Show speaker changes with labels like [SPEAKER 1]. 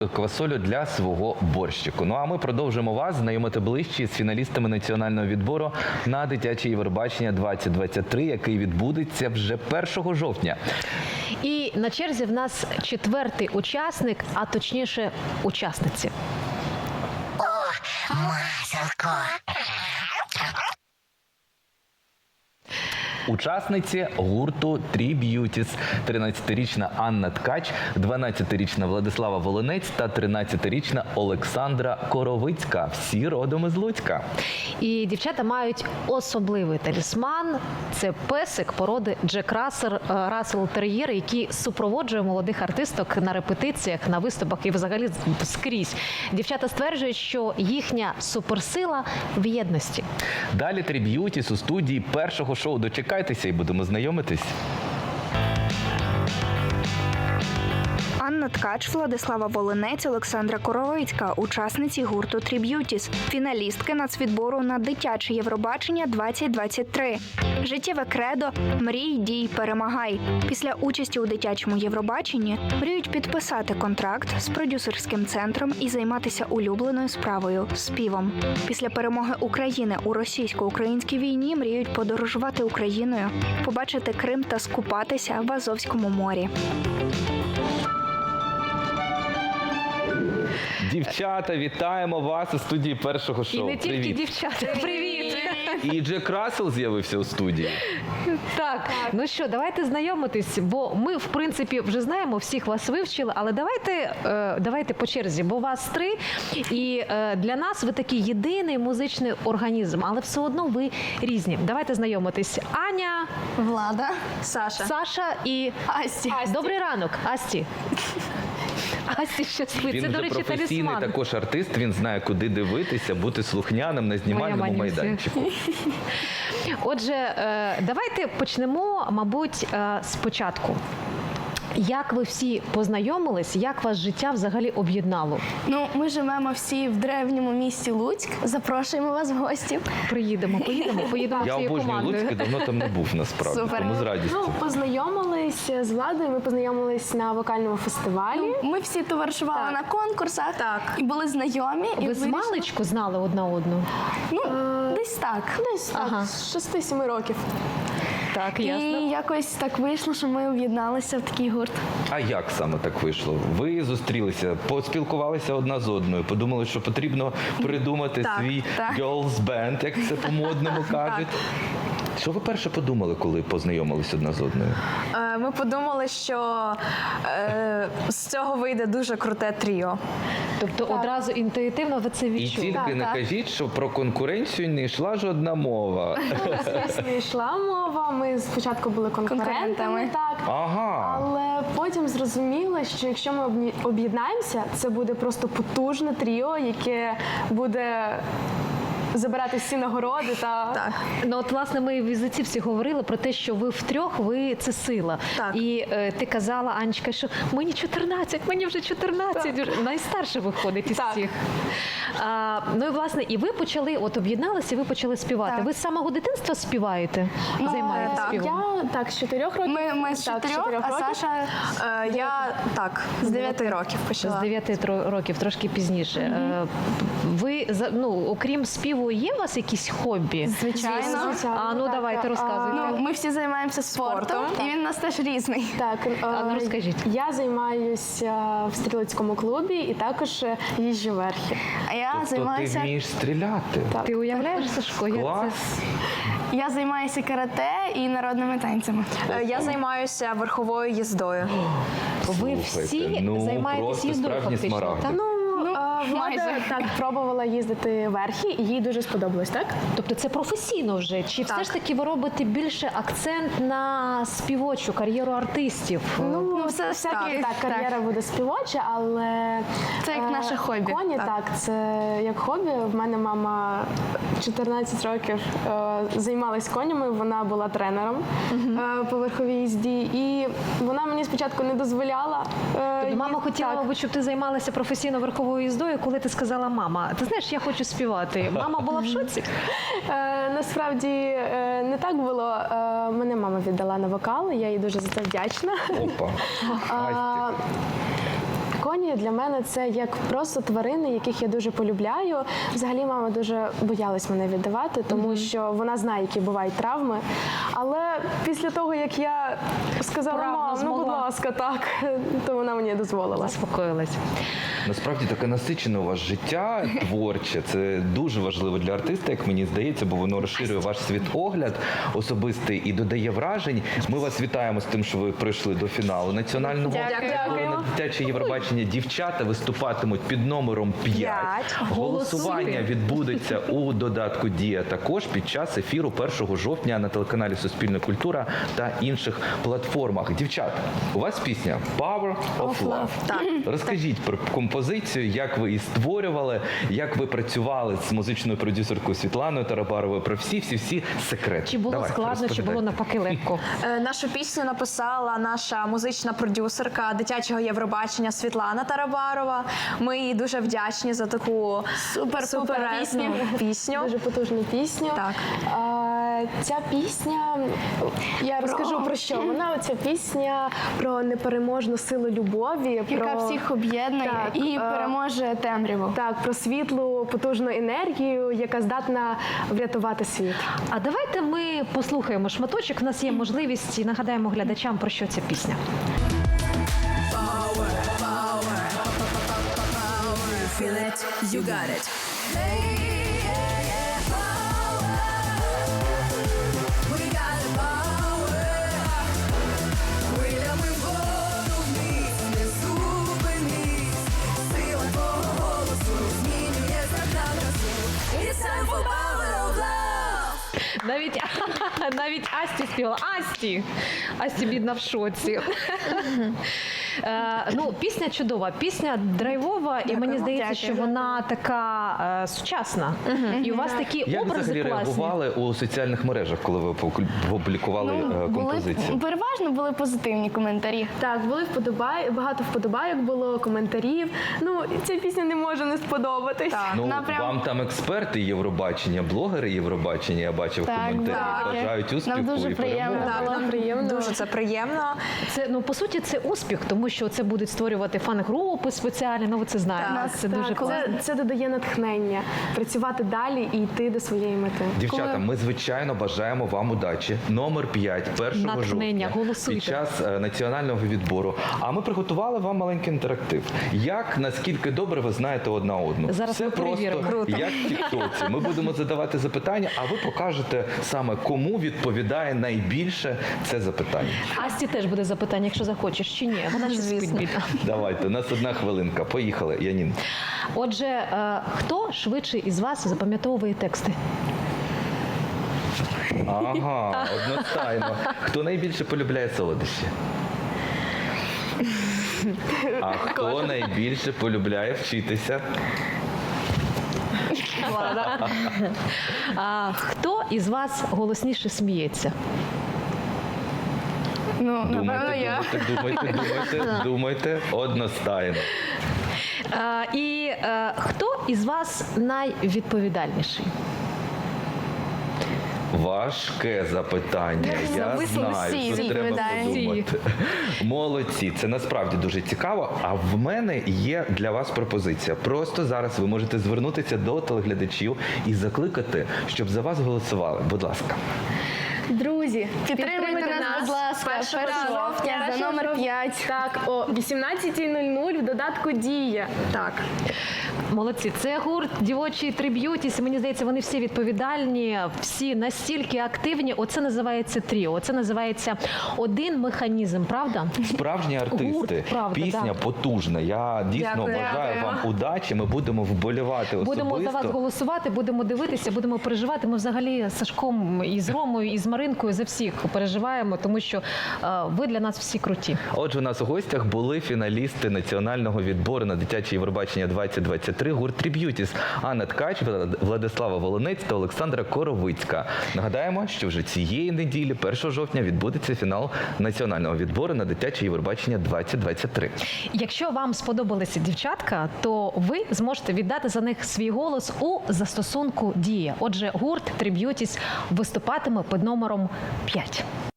[SPEAKER 1] квасолю для свого борщику. Ну а ми продовжимо вас знайомити ближче з фіналістами національного відбору на дитяче Євробачення 2023, який відбудеться вже 1 жовтня.
[SPEAKER 2] І на черзі в нас 4-й учасник, а точніше учасниці.
[SPEAKER 3] О, маселко!
[SPEAKER 1] Учасниці гурту Three Beauties – 13-річна Анна Ткач, 12-річна Владислава Волинець та 13-річна Олександра Коровицька. Всі родом із Луцька.
[SPEAKER 2] І дівчата мають особливий талісман. Це песик породи Джек Рассел Тер'єр, який супроводжує молодих артисток на репетиціях, на виступах і взагалі скрізь. Дівчата стверджують, що їхня суперсила в єдності.
[SPEAKER 1] Далі Three Beauties у студії першого шоу. Дочекайтеся і будемо знайомитись.
[SPEAKER 4] Анна Ткач, Владислава Волинець, Олександра Коровицька – учасниці гурту Three Beauties, фіналістки нацвідбору на дитяче Євробачення 2023. Життєве кредо «Мрій, дій, перемагай». Після участі у дитячому Євробаченні мріють підписати контракт з продюсерським центром і займатися улюбленою справою – співом. Після перемоги України у російсько-українській війні мріють подорожувати Україною, побачити Крим та скупатися в Азовському морі.
[SPEAKER 1] Дівчата, вітаємо вас у студії першого шоу.
[SPEAKER 2] І не тільки
[SPEAKER 1] Привіт.
[SPEAKER 2] дівчата. Привіт!
[SPEAKER 1] І Джек Рассел з'явився у студії.
[SPEAKER 2] Так, ну що, давайте знайомитись, бо ми, в принципі, вже знаємо, всіх вас вивчили, але давайте по черзі, бо вас 3, і для нас ви такий єдиний музичний організм, але все одно ви різні. Давайте знайомитись. Аня,
[SPEAKER 5] Влада,
[SPEAKER 2] Саша і
[SPEAKER 5] Асті.
[SPEAKER 2] Добрий ранок, Асті. Асті щасливий.
[SPEAKER 1] Він
[SPEAKER 2] Це, до
[SPEAKER 1] вже
[SPEAKER 2] речі,
[SPEAKER 1] професійний
[SPEAKER 2] талісман.
[SPEAKER 1] також артист, він знає, куди дивитися, бути слухняним на знімальному
[SPEAKER 2] Моя
[SPEAKER 1] майданчику.
[SPEAKER 2] Отже, давайте почнемо, мабуть, спочатку. Як ви всі познайомились, як вас життя взагалі об'єднало?
[SPEAKER 5] Ну, ми живемо всі в древньому місті Луцьк. Запрошуємо вас в гості.
[SPEAKER 2] Поїдемо
[SPEAKER 1] Я
[SPEAKER 2] всією
[SPEAKER 1] обожнюю
[SPEAKER 2] командою.
[SPEAKER 1] Луцьк, і давно там не був насправді,
[SPEAKER 5] Супер.
[SPEAKER 1] тому з радістю.
[SPEAKER 6] Ну, познайомились з Владою, ми познайомились на вокальному фестивалі.
[SPEAKER 5] Ми всі товаришували на конкурсах і були знайомі. І
[SPEAKER 2] Ви з
[SPEAKER 5] вирішили-
[SPEAKER 2] маличку знали одна одну?
[SPEAKER 5] Ну, десь так.
[SPEAKER 6] Десь так,
[SPEAKER 2] Ага.
[SPEAKER 6] з 6-7 років.
[SPEAKER 2] Так,
[SPEAKER 5] І
[SPEAKER 2] ясно.
[SPEAKER 5] якось так вийшло, що ми об'єдналися в такий гурт.
[SPEAKER 1] А як саме так вийшло? Ви зустрілися, поспілкувалися одна з одною, подумали, що потрібно придумати свій
[SPEAKER 5] так.
[SPEAKER 1] girls band, як це по-модному кажуть. Що ви перше подумали, коли познайомились одна з одною?
[SPEAKER 7] Ми подумали, що з цього вийде дуже круте тріо.
[SPEAKER 2] Тобто одразу інтуїтивно ви це
[SPEAKER 1] І
[SPEAKER 2] відчули?
[SPEAKER 1] тільки не кажіть, що про конкуренцію не йшла жодна мова.
[SPEAKER 6] Звісно, йшла мова, ми спочатку були конкурентами,
[SPEAKER 5] Конкурентами.
[SPEAKER 6] так.
[SPEAKER 1] Ага.
[SPEAKER 6] Але потім зрозуміли, що якщо ми об'єднаємося, це буде просто потужне тріо, яке буде забирати всі нагороди та
[SPEAKER 2] Ну от, власне, ми в візитівці говорили про те, що ви втрьох, ви це сила.
[SPEAKER 7] Так.
[SPEAKER 2] І ти казала, Анечка, що мені 14, мені вже 14, вже найстарше виходить із
[SPEAKER 6] Так.
[SPEAKER 2] всіх. Ну і, власне, і ви почали, от об'єдналися, і ви почали співати.
[SPEAKER 5] Так.
[SPEAKER 2] Ви з самого дитинства співаєте? Займаєтесь
[SPEAKER 5] так.
[SPEAKER 2] співом?
[SPEAKER 6] я з 4 років.
[SPEAKER 5] Ми з
[SPEAKER 6] Так,
[SPEAKER 5] 4, а
[SPEAKER 6] років.
[SPEAKER 5] Саша
[SPEAKER 7] Я так, з 9 років
[SPEAKER 2] З
[SPEAKER 7] почала.
[SPEAKER 2] 9 років, трошки пізніше. Ви, окрім співу, є у вас якісь хобі?
[SPEAKER 5] звичайно.
[SPEAKER 2] А ну
[SPEAKER 6] Так,
[SPEAKER 2] давайте, розказуйте.
[SPEAKER 5] Ну, ми всі займаємося спортом, і він у нас теж різний.
[SPEAKER 6] Так,
[SPEAKER 2] А ну, розкажіть.
[SPEAKER 6] Я займаюся в стрілецькому клубі і також їжджу верхи.
[SPEAKER 5] А я
[SPEAKER 1] Тобто ти
[SPEAKER 5] займаюся
[SPEAKER 1] вмієш стріляти?
[SPEAKER 2] Ти уявляєш, Сашко? Я
[SPEAKER 1] Клас.
[SPEAKER 5] Я займаюся карате і народними танцями.
[SPEAKER 7] Я займаюся верховою їздою.
[SPEAKER 2] Ви
[SPEAKER 1] Слухайте,
[SPEAKER 2] всі
[SPEAKER 1] ну,
[SPEAKER 2] займаєтесь
[SPEAKER 1] просто
[SPEAKER 2] їздою
[SPEAKER 1] справжні
[SPEAKER 2] фактично?
[SPEAKER 1] смарагди.
[SPEAKER 2] Так?
[SPEAKER 6] Влада
[SPEAKER 5] майже.
[SPEAKER 6] так пробувала їздити верхи, і їй дуже сподобалось, так?
[SPEAKER 2] Тобто це професійно вже? Чи все ж таки ви робите більше акцент на співочу кар'єру артистів?
[SPEAKER 5] Ну, все ж
[SPEAKER 6] Так,
[SPEAKER 5] таки,
[SPEAKER 6] кар'єра буде співоча, але
[SPEAKER 5] Це як наше хобі.
[SPEAKER 6] Коні, так, це як хобі. В мене мама 14 років займалась конями, вона була тренером по верховій їзді, і вона мені спочатку не дозволяла.
[SPEAKER 2] Тобто мама хотіла,
[SPEAKER 6] так.
[SPEAKER 2] мабуть, щоб ти займалася професійно верховою їздою, коли ти сказала, мама, ти знаєш, я хочу співати. Мама була в шоці?
[SPEAKER 6] Насправді не так було. Мене мама віддала на вокал, я їй дуже за це вдячна.
[SPEAKER 1] Опа. Асті.
[SPEAKER 6] коні для мене це як просто тварини, яких я дуже полюбляю. Взагалі мама дуже боялась мене віддавати, тому що вона знає, які бувають травми. Але після того, як я сказала,
[SPEAKER 2] Правда,
[SPEAKER 6] мам, ну будь
[SPEAKER 2] змогла.
[SPEAKER 6] ласка, так, то вона мені дозволила.
[SPEAKER 2] Заспокоїлась.
[SPEAKER 1] Насправді таке насичене у вас життя творче. Це дуже важливо для артиста, як мені здається, бо воно розширює ваш світогляд особистий і додає вражень. Ми вас вітаємо з тим, що ви прийшли до фіналу національного відбору на дитяче Євробачення. Дівчата виступатимуть під номером 5. Голосування відбудеться у додатку Дія також під час ефіру 1 жовтня на телеканалі Суспільна культура та інших платформах. Дівчат, у вас пісня Power of Love. Розкажіть про композицію, як ви її створювали, як ви працювали з музичною продюсеркою Світланою Тарабаровою, про всі секрети.
[SPEAKER 2] Чи було
[SPEAKER 1] Давайте,
[SPEAKER 2] складно, чи
[SPEAKER 1] розповідайте.
[SPEAKER 2] було навпаки легко?
[SPEAKER 7] Нашу пісню написала наша музична продюсерка дитячого Євробачення Світлана Тарабарова. Ми їй дуже вдячні за таку суперезну пісню.
[SPEAKER 6] Дуже потужну пісню.
[SPEAKER 7] Так.
[SPEAKER 6] Ця пісня, я розкажу про що. Вона ця пісня про непереможну силу любові,
[SPEAKER 5] Яка
[SPEAKER 6] про
[SPEAKER 5] всіх об'єднує
[SPEAKER 6] Так,
[SPEAKER 5] і переможе темряву.
[SPEAKER 6] Так, про світлу, потужну енергію, яка здатна врятувати світ.
[SPEAKER 2] А давайте ми послухаємо шматочок. У нас є можливість і нагадаємо глядачам, про що ця пісня.
[SPEAKER 8] Feel it, you got it. We got the power. Хвилями вгору вниз, не зупинись. Сила твого голосу змінює знак на красу. It's time for power of love.
[SPEAKER 2] Навіть Асті співала. Асті бідна в шоці. Пісня чудова, пісня драйвова, і мені здається, що вона така сучасна. І у вас такі
[SPEAKER 1] Як
[SPEAKER 2] образи
[SPEAKER 1] взагалі
[SPEAKER 2] класні.
[SPEAKER 1] реагували у соціальних мережах, коли ви опублікували композицію?
[SPEAKER 5] Переважно були позитивні коментарі.
[SPEAKER 6] Так, були багато вподобайок було, коментарів. Ну, ця пісня не може не сподобатись.
[SPEAKER 1] Ну, вам там експерти Євробачення, блогери Євробачення, я бачив коментарі, бажають успіху
[SPEAKER 5] Нам дуже
[SPEAKER 1] і
[SPEAKER 5] приємно
[SPEAKER 1] перемоги.
[SPEAKER 5] було.
[SPEAKER 6] Приємно.
[SPEAKER 7] Дуже це приємно.
[SPEAKER 2] Це, по суті, це успіх, тому що це будуть створювати фан-групи спеціальні, ви це знаєте. Це дуже класно.
[SPEAKER 6] Це додає натхнення працювати далі і йти до своєї мети.
[SPEAKER 1] Дівчата, ми, звичайно, бажаємо вам удачі. Номер 5, 1
[SPEAKER 2] Натхнення,
[SPEAKER 1] жовтня,
[SPEAKER 2] голосуйте.
[SPEAKER 1] під час національного відбору. А ми приготували вам маленький інтерактив. Наскільки добре ви знаєте одна одну.
[SPEAKER 2] Зараз
[SPEAKER 1] Все
[SPEAKER 2] ми
[SPEAKER 1] просто,
[SPEAKER 2] перевіримо.
[SPEAKER 1] як в тіктоці. Ми будемо задавати запитання, а ви покажете саме, кому відповідає найбільше це запитання.
[SPEAKER 2] Асті теж буде запитання, якщо захочеш, чи ні. Вона ще спить бідна.
[SPEAKER 1] Давайте, у нас 1 хвилинка. Поїхали, Янін.
[SPEAKER 2] Отже, хто швидше із вас запам'ятовує тексти?
[SPEAKER 1] Ага, одностайно. Хто найбільше полюбляє солодощі? А хто найбільше полюбляє вчитися?
[SPEAKER 2] А хто із вас голосніше сміється?
[SPEAKER 1] Думайте, одностайно.
[SPEAKER 2] І хто із вас найвідповідальніший?
[SPEAKER 1] Важке запитання. Я знаю,
[SPEAKER 5] всі
[SPEAKER 1] тут треба
[SPEAKER 5] відповідають.
[SPEAKER 1] подумати. Молодці, це насправді дуже цікаво. А в мене є для вас пропозиція. Просто зараз ви можете звернутися до телеглядачів і закликати, щоб за вас голосували. Будь ласка.
[SPEAKER 5] Друзі, підтримуйте нас, будь ласка, 1 жовтня за номер 5.
[SPEAKER 6] Так, о 18:00 в додатку Дія.
[SPEAKER 7] Так.
[SPEAKER 2] Молодці, це гурт «Дівочий Триб'ютіс». Мені здається, вони всі відповідальні, всі настільки активні. Оце називається тріо. Оце називається один механізм, правда?
[SPEAKER 1] Справжні артисти.
[SPEAKER 2] Гурт, правда,
[SPEAKER 1] Пісня
[SPEAKER 2] да.
[SPEAKER 1] потужна. Я дійсно
[SPEAKER 7] Дякую.
[SPEAKER 1] бажаю вам удачі. Ми будемо вболівати особисто.
[SPEAKER 2] Будемо за вас голосувати, будемо дивитися, будемо переживати. Ми взагалі з Сашком і з Ромою, і з Маринкою за всіх переживаємо, тому що ви для нас всі круті.
[SPEAKER 1] Отже, у нас у гостях були фіналісти національного відбору на дитяче Євробачення 2023 гурт «Триб'ютіс» Анна Ткач, Владислава Волонець та Олександра Коровицька. Нагадаємо, що вже цієї неділі, 1 жовтня, відбудеться фінал національного відбору на дитяче Євробачення 2023.
[SPEAKER 2] Якщо вам сподобалися дівчатка, то ви зможете віддати за них свій голос у застосунку «Дія». Отже, гурт «Триб'ютіс» виступатиме під номером 5.